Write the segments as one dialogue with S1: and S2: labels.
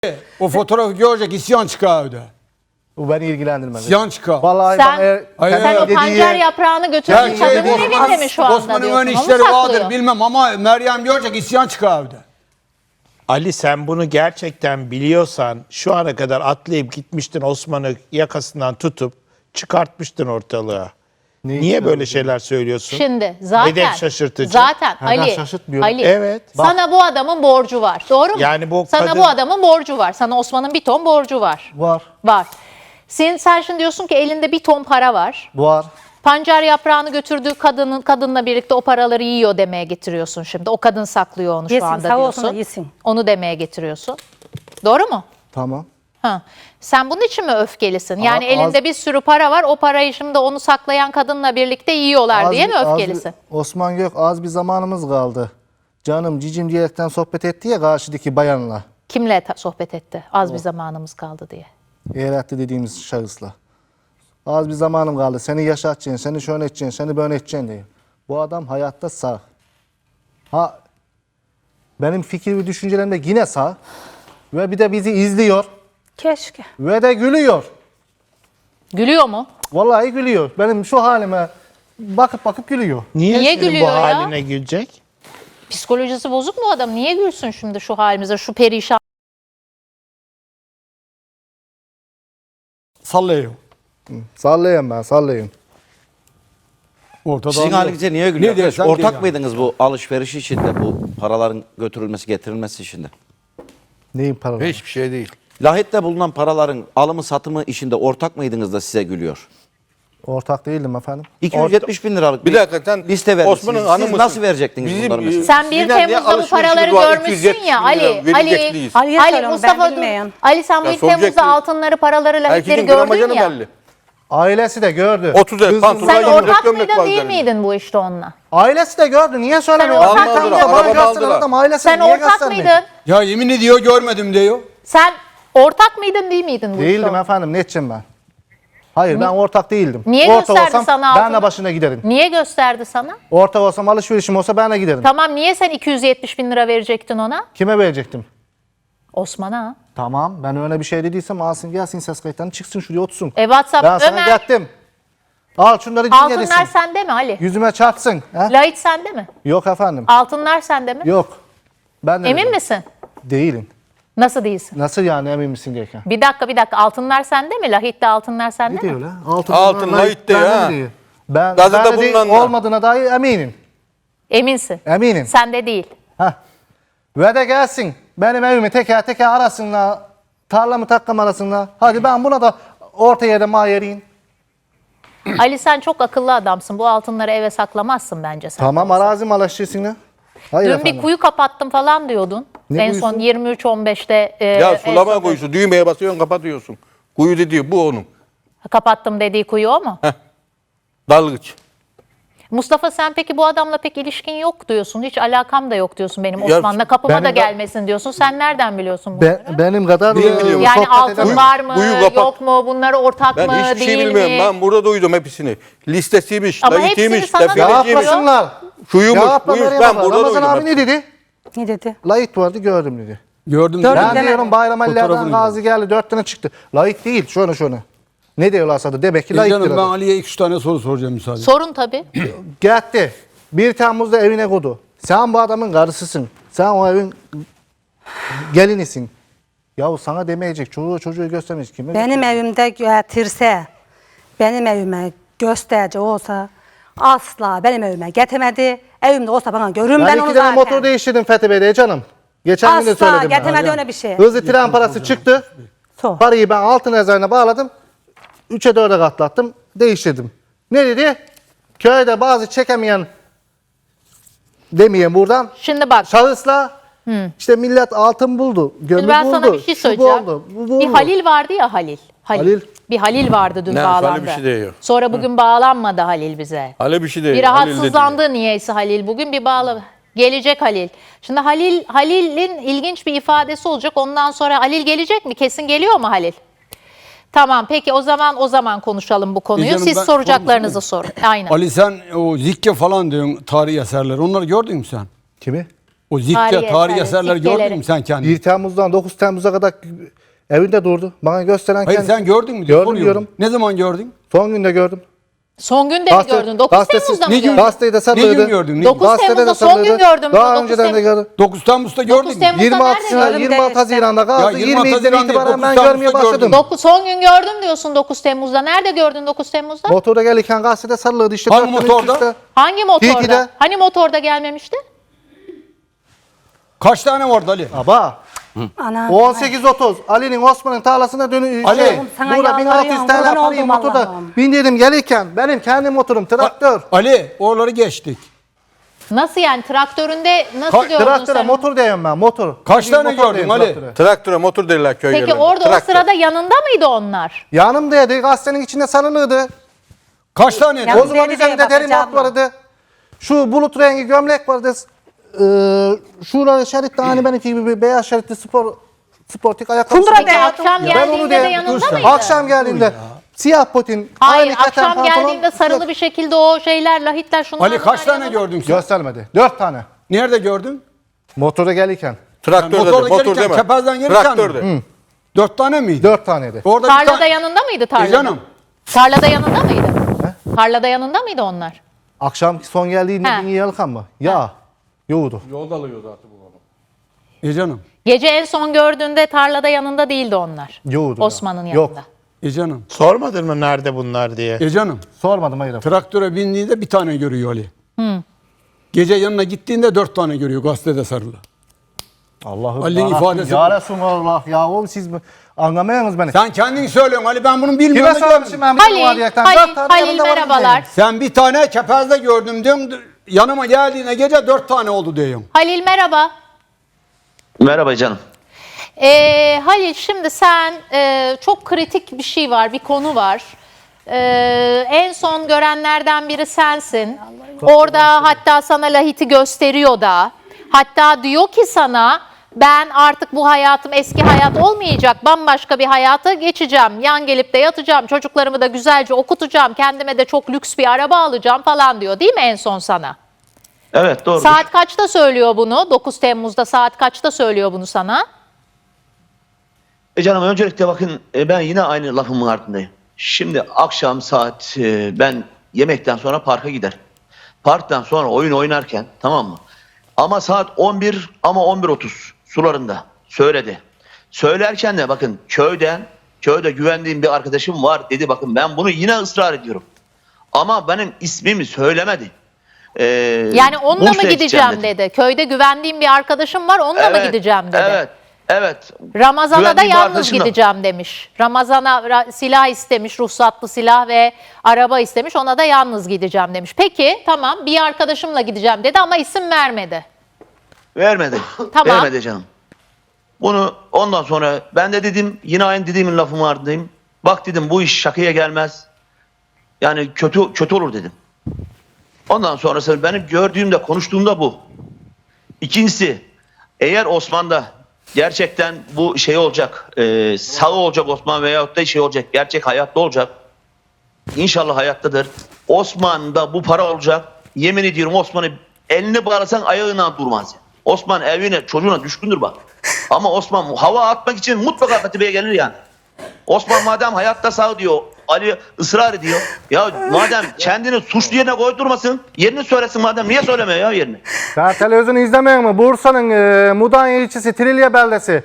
S1: O fotoğrafı görecek isyan çıkar evde.
S2: Bu beni ilgilendirmez.
S1: İsyan çıkar.
S2: Vallahi
S3: Sen o pancar yaprağını götürdüğün kadının evinde mi şu anda
S1: Osman'ın
S3: diyorsun?
S1: ön
S3: Onu
S1: işleri
S3: saklıyor.
S1: vardır bilmem ama Meryem görecek isyan çıkar evde.
S4: Ali sen bunu gerçekten biliyorsan şu ana kadar atlayıp gitmiştin Osman'ı yakasından tutup çıkartmıştın ortalığa. Niye böyle şeyler söylüyorsun?
S3: Şimdi zaten
S4: Hedef şaşırtıcı.
S3: Zaten
S2: Ha, ben
S3: Ali,
S2: şaşırtmıyorum.
S3: Ali
S4: Evet.
S3: sana bu adamın borcu var. Doğru mu?
S4: Yani bu
S3: sana
S4: kadın-
S3: bu adamın borcu var. Sana Osman'ın bir ton borcu var.
S2: var.
S3: Var. Sen şimdi diyorsun ki elinde bir ton para var.
S2: Var.
S3: Pancar yaprağını götürdüğü kadınla birlikte o paraları yiyor demeye getiriyorsun şimdi. O kadın saklıyor onu şu
S5: Yesin,
S3: anda
S5: sağ olsun
S3: diyorsun.
S5: da yesin.
S3: Onu demeye getiriyorsun. Doğru mu?
S2: Tamam.
S3: Ha. Sen bunun için mi öfkelisin? Yani
S2: Az-
S3: elinde bir sürü para var. O parayı şimdi onu saklayan kadınla birlikte yiyorlar diye mi öfkelisin?
S2: Osman Gök az bir zamanımız kaldı. Canım cicim diyerekten sohbet etti ya karşıdaki bayanla.
S3: Kimle sohbet etti? Az bir zamanımız kaldı diye.
S2: Eğretti dediğimiz şahısla. Az bir zamanım kaldı. Seni yaşatacaksın, seni şöyle edeceksin, seni böyle edeceksin diye. Bu adam hayatta sağ. Ha, benim fikir ve düşüncelerim de yine sağ. Ve bir de bizi izliyor.
S5: Keşke.
S2: Ve de gülüyor.
S3: Gülüyor mu?
S2: Vallahi gülüyor. Benim şu halime bakıp bakıp gülüyor.
S4: Niye
S3: Niye
S4: senin
S3: gülüyor
S4: bu
S3: ya?
S4: haline gülecek?
S3: Psikolojisi bozuk mu adam? Niye gülsün şimdi şu halimize, şu perişan?
S1: Sallıyor.
S2: Sallayayım ben, sallayayım.
S1: Ortada
S6: Sizin halinize niye
S1: Ne
S6: gülüyor?
S1: dersen
S6: Ortak
S1: de ya.
S6: mıydınız bu alışveriş içinde, bu paraların götürülmesi, getirilmesi içinde?
S2: Neyin paraları?
S7: Hiçbir şey değil.
S6: Lahit'te bulunan paraların alımı satımı işinde ortak mıydınız da size gülüyor?
S2: Ortak değildim efendim.
S6: 270 bin liralık
S7: Bir dakika sen
S6: liste vermişsiniz.
S7: Osman'ın hanımı
S6: Siz
S7: mısın?
S6: nasıl verecektiniz
S7: Bizim,
S6: bunları mesela?
S3: Sen 1
S7: Sinan diye
S3: Temmuz'da bu paraları
S7: alışverişimiz var,
S3: görmüşsün
S7: 270
S3: ya
S7: bin
S3: Ali.
S7: lira verecekliyiz.
S5: Ali'ye
S3: Ali
S5: soruyorum,
S3: Mustafa
S5: ben
S3: dur.
S5: bilmeyen.
S3: Ali sen bu
S7: Ya
S3: 1 Temmuz'da
S7: soracaksın.
S3: altınları, paraları, lahitleri
S7: Herkesin
S3: gördün
S7: gramajını
S3: ya.
S7: belli.
S2: Ailesi de gördü.
S7: 30
S2: Kızım-
S7: pantolon
S3: Sen
S7: Ulan
S3: ortak
S7: gömlek
S3: mıydın
S7: var
S3: değil
S7: üzerinde.
S3: miydin bu işte onunla?
S2: Ailesi de gördü. Niye söylemiyor?
S3: ortak
S2: Adam
S3: mıydın?
S2: bana
S7: Araba
S2: gösteren
S7: aldılar.
S2: adam ailesi
S3: Sen
S2: niye
S3: ortak
S2: göstermiyor?
S3: mıydın?
S1: Ya yemin ediyor görmedim diyor.
S3: Sen ortak mıydın değil miydin bu işte?
S2: Değildim efendim. Ne edeceğim ben? Hayır ben ortak değildim.
S3: Niye
S2: ortak
S3: gösterdi
S2: olsam
S3: sana
S2: ben
S3: altını?
S2: de başına giderim.
S3: Niye gösterdi sana?
S2: Ortak olsam alışverişim olsa ben de giderim.
S3: Tamam niye sen 270 bin lira verecektin ona?
S2: Kime verecektim?
S3: Osman'a.
S2: Tamam ben öyle bir şey dediysem alsın gelsin ses kayıtlarını çıksın şuraya otursun.
S3: WhatsApp
S2: Ben sana
S3: Ömer.
S2: gittim. Al şunları
S3: Altınlar
S2: dinleyesin.
S3: sende mi Ali?
S2: Yüzüme çarpsın. He?
S3: Lahit sende mi?
S2: Yok efendim.
S3: Altınlar sende mi?
S2: Yok. Ben de
S3: Emin
S2: dedim.
S3: misin?
S2: Değilim.
S3: Nasıl değilsin?
S2: Nasıl yani emin misin diyeken?
S3: Bir dakika. Altınlar sende mi? Lahit'te altınlar sende
S2: Ne
S3: mi?
S2: diyor lan?
S7: Altın Lahit'te ya.
S2: Ben
S7: Gazete
S2: ben de değil,
S7: bulunanlar.
S2: olmadığına dair eminim.
S3: Eminsin.
S2: Eminim.
S3: Sende değil.
S2: Heh. Ve de gelsin. Benim evimi teker teker arasınlar. Tarlamı takkam arasınlar. Hadi ben buna da orta yerde mahiyeriyim.
S3: Ali sen çok akıllı adamsın. Bu altınları eve saklamazsın bence sen.
S2: Tamam arazi malaşçısın. Hayır
S3: Dün
S2: efendim.
S3: bir kuyu kapattım falan diyordun.
S2: Ne
S3: en son
S2: kuyusu?
S3: 23-15'te.
S7: Ya sulama kuyusu düğmeye basıyorsun kapatıyorsun. Kuyu dediği bu onun.
S3: Kapattım dediği kuyu o mu?
S7: Dalgıç.
S3: Mustafa sen peki bu adamla pek ilişkin yok diyorsun. Hiç alakam da yok diyorsun benim
S7: Ya,
S3: Osman'la. Kapıma
S2: benim
S3: da
S2: de-
S3: gelmesin diyorsun. Sen nereden biliyorsun bunları?
S2: Benim kadar
S1: Biliyorum.
S3: Yani
S2: sohbet
S3: altın
S2: edemem.
S3: var mı,
S7: kuyu kapat.
S3: yok mu, bunları ortak
S7: Ben
S3: mı,
S7: hiçbir şey
S3: değil
S7: bilmiyorum.
S3: mi?
S7: Ben burada duydum hepsini. Listesiymiş,
S3: Ama
S7: Lahit'iymiş,
S3: hepsini sana da
S7: defterciymiş,
S2: Yapmasınlar.
S7: şuymuş,
S2: Yapma
S7: buymuş.
S2: Meryem
S7: Ben
S2: abla.
S7: burada
S2: Ramazan
S7: duydum.
S2: abi ne dedi?
S5: Ne dedi?
S2: Layık vardı gördüm dedi.
S1: Gördüm.
S5: Gördüm.
S2: Ben
S5: Deme.
S2: diyorum Bayram Ali'lerden
S1: Fotoğrafını
S2: gazi geldi 4 tane çıktı. Layık değil şunu. Ne diyorlarsa da demek ki layıktır.
S1: Canım ben
S2: adam.
S1: Ali'ye 2-3 tane soru soracağım müsaade.
S3: Sorun tabii.
S2: Gitti. 1 Temmuz'da evine koydu. Sen bu adamın karısısın. Sen o evin gelinisin. Yahu sana demeyecek. Çocuğu göstermeyecek. Kime?
S5: Benim evimde getirse, benim evime gösterici olsa asla benim evime getirmedi. Evimde olsa bana görün ben
S2: Ben
S5: onu
S2: 2 tane
S5: zaten.
S2: motor değiştirdim Fethi Bey'de canım. Geçen gün de
S5: Asla
S2: söyledim ben.
S5: getirmedi öyle bir şey.
S2: Hızlı tren parası çıktı.
S5: Sor.
S2: Parayı ben altın rezervine bağladım. 3'e 4'e katlattım. Değiştirdim. Ne dedi? Köyde bazı çekemeyen demeyeyim buradan.
S3: Şimdi bak.
S2: Şahısla işte millet altın buldu. Gömü
S3: Şimdi ben
S2: buldu.
S3: sana bir şey
S2: şu
S3: söyleyeceğim.
S2: buldu, bu buldu.
S3: Bir Halil vardı ya Halil.
S2: Halil.
S3: Bir Halil vardı dün
S7: Ne,
S3: bağlandı.
S7: Halil bir şey diyor.
S3: Sonra bugün bağlanmadı Halil bize.
S7: Hale bir şey değil.
S3: Bir
S7: Halil dedi.
S3: rahatsızlandı niyeyse Halil. Bugün bir bağlı. Gelecek Halil. Şimdi Halil'in ilginç bir ifadesi olacak. Ondan sonra Halil gelecek mi? Kesin geliyor mu Halil? Tamam peki o zaman konuşalım bu konuyu.
S1: Canım,
S3: Siz
S1: ben
S3: soracaklarınızı sorun. Aynen.
S1: Ali sen o zikke falan diyorsun tarihi eserler. Onları gördün mü sen?
S2: Kimi?
S1: O zikte
S3: Tarihi
S1: tarihi
S3: eserleri,
S1: eserleri
S3: zikkeleri.
S1: gördün mü sen kendin?
S2: 1 Temmuz'dan 9 Temmuz'a kadar evinde durdu. Bana gösteren
S1: Hayır
S2: kendisi.
S1: sen gördün mü? diye
S2: Gördüm
S1: soruyorum.
S2: diyorum.
S1: Ne zaman gördün?
S2: Son günde gördüm.
S3: Son günde mi gördün? 9 Temmuz'da mı
S1: ne gün-
S3: gördün?
S2: Gazeteyi de
S1: Ne
S2: sarılırdı.
S1: gün gördün? Ne
S3: 9
S2: Gazetede de
S3: Temmuz'da son
S2: sarılırdı.
S3: gün gördüm
S2: Daha
S3: diyor, 9
S2: önceden de gördüm.
S1: 9 Temmuz'da gördün mü?
S3: Temmuz-
S2: 26
S3: nerede gördün?
S2: 26 Haziran'da kaldı.
S1: Ya 26
S2: 22'den
S1: Haziran'da
S2: itibaren
S1: 9
S2: ben
S1: Temmuz'da
S2: görmeye başladım.
S1: gördüm.
S3: Son gün gördüm diyorsun 9 Temmuz'da. Nerede gördün 9 Temmuz'da?
S2: Motorda gelirken gazetede sarılırdı işte.
S1: Hangi
S2: 4 gün
S1: motorda?
S2: üst üste.
S3: Hangi motorda?
S2: Tilki'de.
S3: Hani motorda gelmemişti?
S1: Kaç tane vardı Ali?
S2: Baba.
S5: Ana.
S2: 18.30 Ali'nin Osman'ın tarlasına dönüyor.
S1: Ali,
S5: sana
S2: burada
S5: yalvarıyorum,
S2: 1600 tane
S5: kurban
S2: parayı
S5: oldum
S2: motorda
S5: Allah'ım.
S2: bindirdim gelirken benim kendi motorum traktör.
S1: Ali oraları geçtik.
S3: Nasıl yani? Traktöründe nasıl gördün
S2: Traktöre
S3: sen?
S2: motor diyorum ben motor.
S1: Kaç
S2: Bildiğin
S1: tane
S2: motor
S1: gördün
S2: diyeyim,
S1: Ali?
S2: traktöre.
S7: Traktöre motor derler köy
S3: Peki
S7: yerlerinde.
S3: orada o
S7: Traktör.
S3: sırada yanında mıydı onlar?
S2: Yanımdaydı gazetenin içinde sarılırdı.
S1: Kaç tane?
S5: Ya-
S2: O zaman
S5: Deri
S2: üzerinde
S5: diye
S2: deri
S5: bakacağım
S2: mat vardı. Şu bulut rengi gömlek vardı. Şurada şeritte hani benimki gibi bir beyaz şeritli sportik ayakkabı.
S5: Kundura
S3: Peki
S5: be.
S3: akşam
S2: Ben onu
S3: geldiğinde de
S2: diyorum,
S3: yanında
S1: dur
S3: mıydı?
S2: Akşam geldiğinde siyah potin,
S3: Hayır,
S2: aynı keten
S3: akşam
S2: pantolon.
S3: geldiğinde sarılı bir şekilde o şeyler, lahitler, şunlar
S1: Ali kaç
S3: bunlar
S1: tane
S3: yanında.
S1: gördün sen?
S2: Göstermedi. 4 tane.
S1: Nerede gördün?
S2: Motora gelirken.
S7: Traktör dedi.
S1: Motorda
S7: Motor
S1: gelirken,
S7: deme.
S1: kepezden gelirken
S7: Traktör
S1: mi?
S7: de.
S1: 4 tane miydi?
S2: 4 taneydi.
S1: Orada bir
S3: Tarlada
S1: tane...
S3: yanında mıydı tarlada?
S1: Canım.
S3: Tarlada yanında mıydı? Tarlada yanında mıydı onlar?
S2: Akşam son geldiğinde
S3: He.
S2: bin yalkan mı? Ya. Yoğurdu.
S1: Canım.
S3: Gece en son gördüğünde tarlada yanında değildi onlar.
S2: Yoğurdu.
S3: Osman'ın
S2: Yok.
S3: yanında.
S1: Canım.
S4: Sormadın mı nerede bunlar diye?
S1: Canım.
S2: Sormadım hayır.
S1: Traktöre bindiğinde bir tane görüyor Ali. Gece yanına gittiğinde 4 tane görüyor gazetede sarılı.
S2: Allah'ım.
S1: Ali'nin
S2: yarabbim,
S1: ifadesi
S2: Ya
S1: bu.
S2: Resulallah ya oğlum siz mi? Anlamıyorsunuz beni.
S1: Sen kendin söylüyorsun Ali ben bunu
S2: Kime
S1: bilmiyorum.
S2: sormuşum ben bir tane var
S3: Halil,
S2: diyerekten?
S3: Halil,
S2: 4 tane
S3: Halil
S2: yanımda var
S3: merhabalar.
S2: diyeceğim.
S1: Sen bir tane kepezde gördüm diyorsun. Yanıma geldiğine gece 4 tane oldu diyorsun.
S3: Halil merhaba.
S8: Merhaba canım.
S3: Halil şimdi sen çok kritik bir şey var, bir konu var. En son görenlerden biri sensin. Orada hatta sana lahiti gösteriyor da. Hatta diyor ki sana ben artık bu hayatım eski hayat olmayacak. Bambaşka bir hayata geçeceğim. Yan gelip de yatacağım. Çocuklarımı da güzelce okutacağım. Kendime de çok lüks bir araba alacağım falan diyor. Değil mi en son sana?
S8: Evet doğru.
S3: Saat kaçta söylüyor bunu? 9 Temmuz'da saat kaçta söylüyor bunu sana?
S8: Canım öncelikle bakın ben yine aynı lafımın ardındayım. Şimdi akşam saat ben yemekten sonra parka giderim. Parktan sonra oyun oynarken tamam mı? Ama saat 11 ama 11.30 sularında söyledi. Söylerken de bakın köyde güvendiğim bir arkadaşım var dedi bakın ben bunu yine ısrar ediyorum. Ama benim ismimi söylemedi.
S3: Yani onunla mı
S8: Bursa'ya
S3: gideceğim dedi. Köyde güvendiğim bir arkadaşım var onunla mı gideceğim dedi.
S8: Evet.
S3: Ramazan'a da
S8: Güvendiğim bir
S3: yalnız
S8: arkadaşım da-
S3: gideceğim demiş. Ramazan'a silah istemiş, ruhsatlı silah ve araba istemiş. Ona da yalnız gideceğim demiş. Peki tamam bir arkadaşımla gideceğim dedi ama isim vermedi.
S8: Vermedi.
S3: Tamam.
S8: Vermedi canım. Bunu ondan sonra ben de dedim yine aynı dediğimin lafımın ardındayım. Bak dedim bu iş şakaya gelmez. Yani kötü olur dedim. Ondan sonrası benim gördüğümde konuştuğumda bu. İkincisi eğer Osman'da gerçekten bu şey olacak sağ olacak Osman veyahut da şey olacak gerçek hayatta olacak. İnşallah hayattadır. Osman'da bu para olacak. Yemin ediyorum Osman'ı elini bağlasan ayağına durmaz. Osman evine çocuğuna düşkündür bak. Ama Osman hava atmak için mutlaka Katibe'ye gelir yani. Osman madem hayatta sağ diyor, Ali ısrar ediyor. Ya madem kendini suçlu yerine koydurmasın, yerini söylesin madem. Niye söylemiyor ya yerini?
S2: Sen televizyonu izlemiyor musun? Bursa'nın Mudanya ilçesi Trilye beldesi.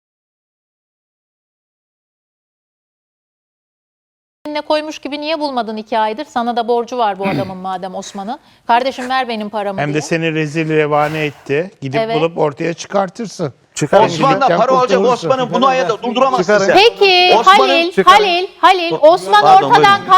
S3: Ne koymuş gibi niye bulmadın 2 aydır? Sana da borcu var bu adamın madem Osman'ın. Kardeşim ver benim paramı
S4: Hem
S3: diye.
S4: de seni rezil revane etti. Gidip
S3: Evet.
S4: bulup ortaya çıkartırsın.
S2: Çıkarın.
S8: Osman'da para olacak,
S4: kurtulursun.
S8: Osman'ın bunu hayatta durduramazsın
S2: Çıkarın.
S8: sen.
S3: Peki
S8: Osman'ın-
S3: Halil Osman
S8: Pardon,
S3: ortadan
S8: buyurun.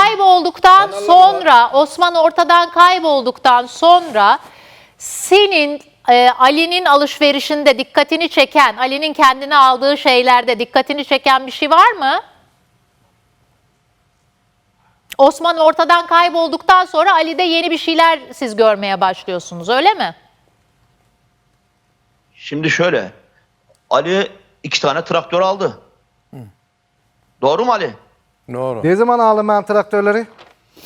S3: kaybolduktan sonra senin Ali'nin alışverişinde dikkatini çeken, Ali'nin kendine aldığı şeylerde dikkatini çeken bir şey var mı? Osman ortadan kaybolduktan sonra Ali'de yeni bir şeyler siz görmeye başlıyorsunuz öyle mi?
S8: Şimdi şöyle, Ali 2 tane traktör aldı. Doğru mu Ali?
S7: Doğru.
S2: Ne zaman aldım ben traktörleri?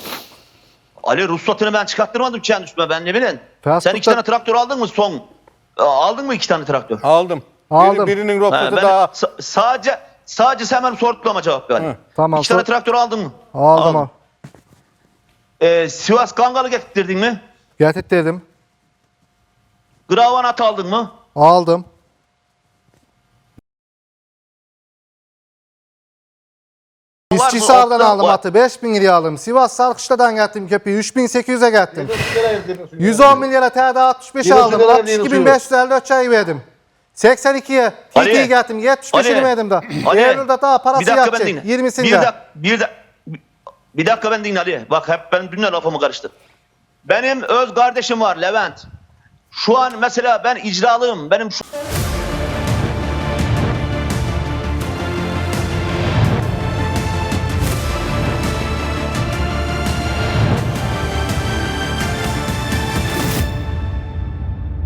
S8: Ali ruhsatını ben çıkarttırmadım kendi üstüme ben ne bileyim.
S2: Transportta-
S8: Sen 2 tane traktör aldın mı son? Aldın mı 2 tane traktör?
S7: Aldım.
S2: Aldım.
S7: Birinin
S8: Ha,
S7: roketi
S8: ben
S7: daha.
S8: sadece sen benim sorduğuma cevap ver.
S2: Tamam,
S8: 2 tane
S2: sor-
S8: traktör aldın mı?
S2: Aldım.
S8: Sivas Kangalı getirdin mi?
S2: Getirttirdim.
S8: Gravanat aldın mı?
S2: Aldım.
S8: Var mı?
S2: İşçisal'dan
S8: Otlar
S2: aldım
S8: var.
S2: atı. 5.000 liraya aldım. Sivas Sarkışla'dan getirdim köpeği. 3.800'e getirdim. 110 milyara TD 65 aldım. 62.554 çay verdim. 82'ye
S8: Ali.
S2: TT'yi getirdim. 75'ini
S8: Ali.
S2: verdim da.
S8: Ali.
S2: Eylül'de daha parası
S8: Bir dakika ben
S2: yatacak.
S8: dinle.
S2: 20'sinde.
S8: Bir dakika ben dinle Ali. Bak hep ben dünle lafımı karıştır. Benim öz kardeşim var Levent. Şu an mesela ben icralıyım. Benim şu